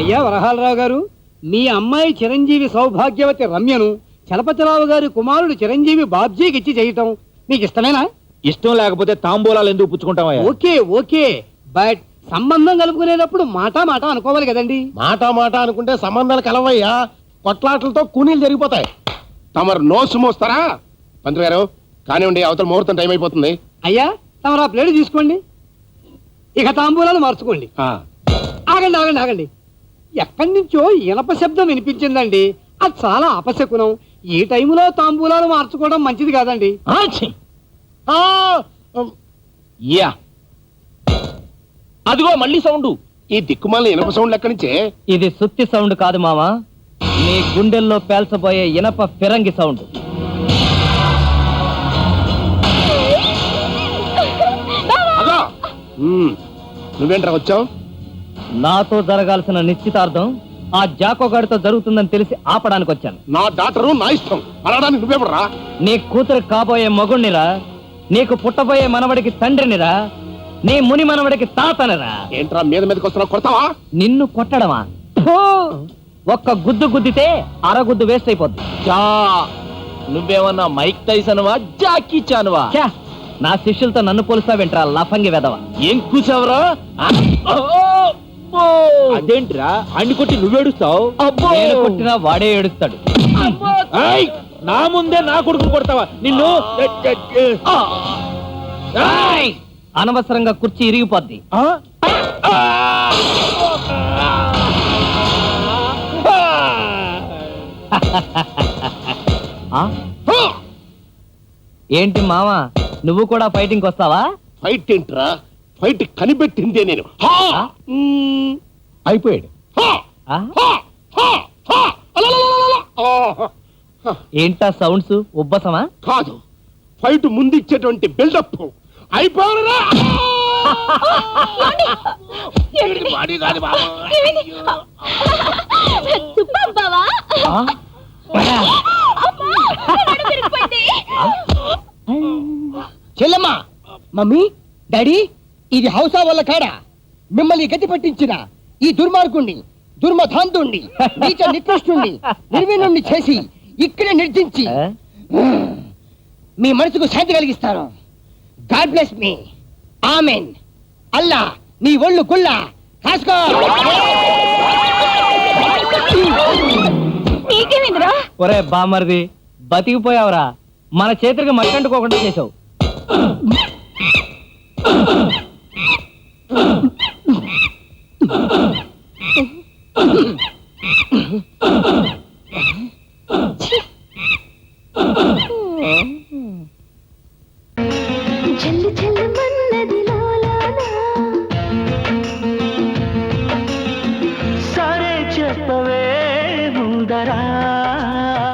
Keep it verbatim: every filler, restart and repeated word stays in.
అయ్యా వరహాలరావు గారు, మీ అమ్మాయి చిరంజీవి సౌభాగ్యవతి రమ్యను చలపతిరావు గారి కుమారుడు చిరంజీవి బాబ్జీకి ఇచ్చి చేయటం మీకు ఇష్టమేనా? ఇష్టం లేకపోతే తాంబూలాలు ఎందుకు పుచ్చుకుంటావా? ఓకే ఓకే, బట్ సంబంధం కలుపుకునేటప్పుడు మాట మాట అనుకోవాలి కదండి. మాట మాట అనుకుంటే సంబంధాలు కలవయ్యా, కొట్లాటలతో కూనీలు జరిగిపోతాయి. తమరు నోసు మోస్తారా? పంతులు గారు కానివ్వండి, అవతల ముహూర్తం టైం అయిపోతుంది. అయ్యా తమరు ఆ ప్లేట్ తీసుకోండి, ఇక తాంబూలాలు మార్చుకోండి. ఆగండి ఆగండి ఆగండి, ఎక్కడి నుంచో ఇనప శబ్దం వినిపించిందండి. అది చాలా అపశకునం. ఈ టైంలో తాంబూలాలు మార్చుకోవడం మంచిది కాదండి. యా అదిగో మళ్ళీ సౌండ్. ఈ దిక్కుమాల ఇనప సౌండ్ ఎక్కడి నుంచే? ఇది సుత్తి సౌండ్ కాదు మామా, నీ గుండెల్లో పేల్చబోయే ఇనప ఫిరంగి సౌండ్. నువ్వేంట్రా వచ్చావు? నాతో జరగాల్సిన నిశ్చితార్థం ఆ జాకోగాడితో జరుగుతుందని తెలిసి ఆపడానికి వచ్చాను. నా డాక్టరు నా ఇష్టం అనడానికి నువ్వేమరా? నీ కూతురు కాబోయే మగుణ్ణిరా, నీకు పుట్టబోయే మనవడికి తండ్రినిరా, నీ ముని మనవడికి తాతనిరా. ఏంట్రా మీద మీదకి వస్తున్నావు? కొడతావా? నిన్ను కొట్టడమా? ఒక్క గుద్దు గుద్దితే అరగుద్దు వేస్ట్ అయిపోద్ది. నువ్వేమన్నా మైక్ టైసన్వా జాకీ చాన్వా? నా శిష్యులతో నన్ను పోలుస్తావేంట్రా లఫంగి వెదవ? ఏం కూసావరా? అదేంట్రా అన్ని కొట్టి నువ్వేడుస్తావు? నేను కొట్టినా వాడే ఏడుస్తాడు. నా ముందే నా కొడుకు కొడతావా? నిన్ను అనవసరంగా కుర్చీ ఇరిగిపోద్ది. ఏంటి మావా, నువ్వు కూడా ఫైటింగ్ వస్తావా? ఫైట్ ఏంట్రా? ఫైట్ కనిపెట్టిందే నేను. అయిపోయాడు. ఏంటా సౌండ్స్? ఉబ్బసమా? కాదు, ఫైట్ ముందు ఇచ్చేటువంటి బిల్డప్. అయిపోయారా? చెల్లమ్మా, మమ్మీ, డాడీ, ఇది హౌసా వల్ల కాడా? మిమ్మల్ని గతి పట్టించిన ఈ దుర్మార్గుణ్ణి, దుర్మధాంతుణ్ణి, నీచ నికృష్టుణ్ణి, నిర్వీణుణ్ణి చేసి ఇక్కడే నిర్జించి మీ మనసుకు శాంతి కలిగిస్తాను. గాడ్ బ్లెస్ మీ. ఆమెన్. అల్లా నీ ఒళ్ళు గుళ్ళ కాసుకో. ఒరే బామర్ది, బతికిపోయావురా. మన చేతులకి మట్టంటుకోకుండా చేసావు.